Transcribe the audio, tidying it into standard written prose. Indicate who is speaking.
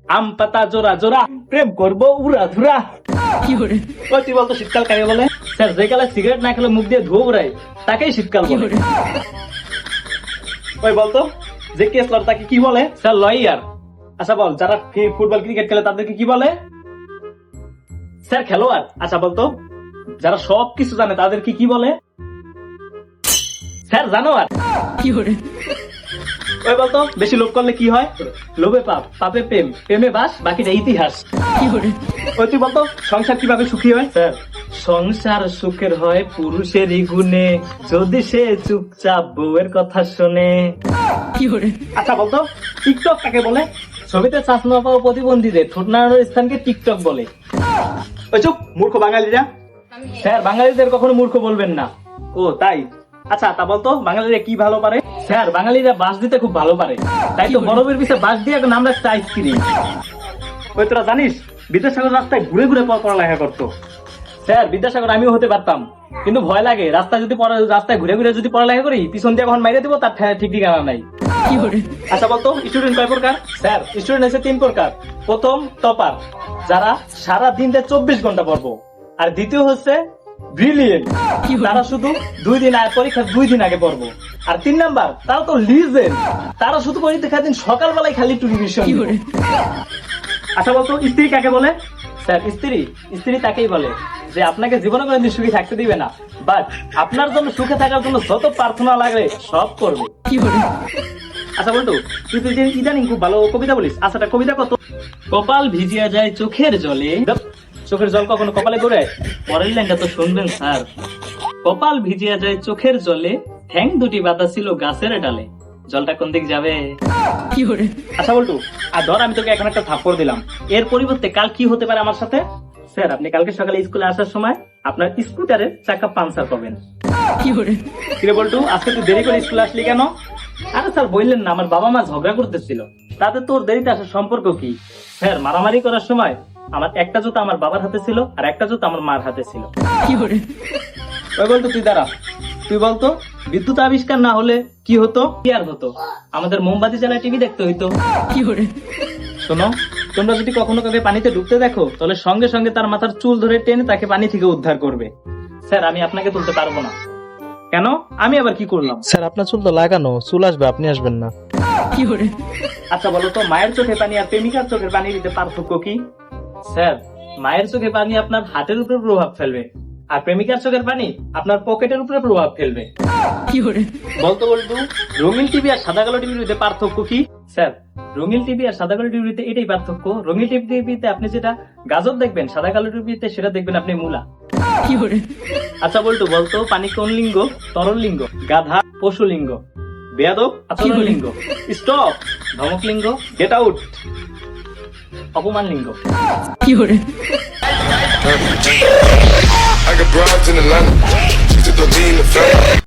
Speaker 1: আম পাতা জোড়া জোড়া, প্রেম করবো উড়া ধুরা। ওই তুই বলতো শীতকাল কাকে বলে? স্যার, যে কালে সিগারেট না খেলে মুখ দিয়ে ধোয়া উড়ায় তাকেই শীতকাল বলে। ওই বলতো যে কেস লড় তাকে কি বলে? Sir, lawyer. আচ্ছা বল, যারা ফুটবল ক্রিকেট খেলে তাদেরকে কি বলে? স্যার, খেলোয়াড়। আচ্ছা বলতো যারা সব কিছু জানে তাদেরকে কি বলে? স্যার, জানোয়ার। ওই বলতো বেশি লোভ করলে কি হয়? লোভে পাপ, পাপে প্রেম, প্রেমে বাস, বাকিটা ইতিহাস। ওই তুই বলতো সংসার কিভাবে সুখী হয়? স্যার, সংসার সুখের হয় পুরুষেরই গুণে, যদি সে চুপচাপ বউয়ের কথা শোনে। আচ্ছা বলতো টিকটক কাকে বলে? ছবিতে চাষ না পাওয়া প্রতিবন্ধীদের ঠোঁট নাড়ানোর স্থানকে টিকটক বলে। ওই চুপ, মূর্খ বাঙালিরা। স্যার, বাঙালিদের কখনো মূর্খ বলবেন না। ও তাই? আচ্ছা তা বলতো বাঙালিরা কি ভালো পারে? স্যার, বাঙালিরা বাঁশ দিতে খুব ভালো পারে, তাই তো বরফের পিছে বাঁশ দিয়ে নাম রাখছে আইসক্রিম। ওই তোরা জানিস বিদ্যাসাগর রাস্তায় ঘুরে ঘুরে পড়ালেখা করতো? স্যার, বিদ্যাসাগর আমিও হতে পারতাম, কিন্তু ভয় লাগে রাস্তায় ঘুরে ঘুরে যদি পড়ালেখা করি পিছন দিয়ে কখন মাইরে দিব তার ঠিক ঠিকানা নাই। আচ্ছা বলতো স্টুডেন্ট কয় প্রকার? স্যার, স্টুডেন্ট আছে 3 প্রকার। প্রথম টপার, যারা সারা দিন 24 ঘন্টা পড়বো। আর দ্বিতীয় হচ্ছে ব্রিলিয়েন্ট, তারা শুধু 2 দিন আগে পরীক্ষা 2 দিন আগে পড়বো। আর 3 নাম্বার, তারা তো লিজেন্ড, তারা শুধু পরীক্ষা দিন সকালবেলায় খালি টেলিভিশন। আচ্ছা বলতো স্ত্রী কাকে বলে? স্যার, স্ত্রী তাকেই বলে যে আপনাকে জীবনে কোনোদিন সুখী থাকতে দিবে না, বাট আপনার জন্য সুখে থাকার জন্য যত প্রার্থনা লাগবে সব করবে। আচ্ছা বলতো তুই ইদানিং খুব ভালো কবিতা বলিস। আচ্ছা কবিতা কত? কপাল ভিজিয়া যায় চোখের জলে। চোখের জল কখনো কপালে ঘুরে? পরের লাইনটা তো শুনবেন স্যার। কপাল ভিজিয়া যায় চোখের জলে, ঠ্যাং দুটি বাঁধা ছিল গাছের ডালে, জলটা কোন দিক যাবে? আচ্ছা বলতো আর ধর আমি তোকে এখন একটা থাপ্পড় দিলাম, এর পরিবর্তে কাল কি হতে পারে আমার সাথে? স্যার, আপনি কালকে সকালে স্কুলে আসার সময় আপনার স্কুটারের চাকা পাঞ্চার পাবেন। কিরে বলটু, আজকে তুই দেরি করে স্কুলে আসলি কেন? আরে স্যার বললেন না, আমার বাবা মা ঝগড়া করতেছিল। তাতে তোর দেরিতে আসার সম্পর্ক কি? স্যার, মারামারি করার সময় আমার একটা জুতা আমার বাবার হাতে ছিল আর একটা জুতা আমার মার হাতে ছিল। ওই বলতো তুই দাঁড়া, তুই বলতো বিদ্যুৎ আবিষ্কার না হলে কি হতো? কি আর হতো? আমাদের মোমবাতি জ্বালায় টিভি দেখতে হইতো। শোনো, তোমরা যদি কখনো কাউকে পানিতে ডুবতে দেখো তাহলে সঙ্গে সঙ্গে তার মাথার চুল ধরে টেনে তাকে পানি থেকে উদ্ধার করবে। স্যার, আমি আপনাকে তুলতে পারবো না। কেন? আমি আবার কি করলাম?
Speaker 2: স্যার, আপনার চুল তো লাগানো, চুল আসবে, আপনি আসবেন না।
Speaker 1: আচ্ছা বলো তো মায়ের চোখে পানি আর প্রেমিকার চোখের পানির ভিতরে পার্থক্য কি? স্যার, মায়ের চোখে পানি আপনার হাতের উপরে প্রভাব ফেলবে, আর প্রেমিকার চোখের পানি আপনার পকেটের উপরে প্রভাব ফেলবে। বলতো রঙিন টিভি আর সাদা কালো টিভির ভিতরে পার্থক্য কি? স্যার, রঙিন টিভি আর সাদা কালো টিভিতে এটাই পার্থক্য, রঙিন টিভিতে আপনি যেটা গাজর দেখবেন, সাদা কালো টিভিতে সেটা দেখবেন আপনি মূলা। আচ্ছা বলতো পানি কোন লিঙ্গ? তরল লিঙ্গ। গাধা পশু লিঙ্গ। বেয়াদব আচরণ লিঙ্গ। স্টপ ধমক লিঙ্গ। গেট আউট অপমান লিঙ্গ।
Speaker 3: I got broads in Atlanta. Just to lean the family.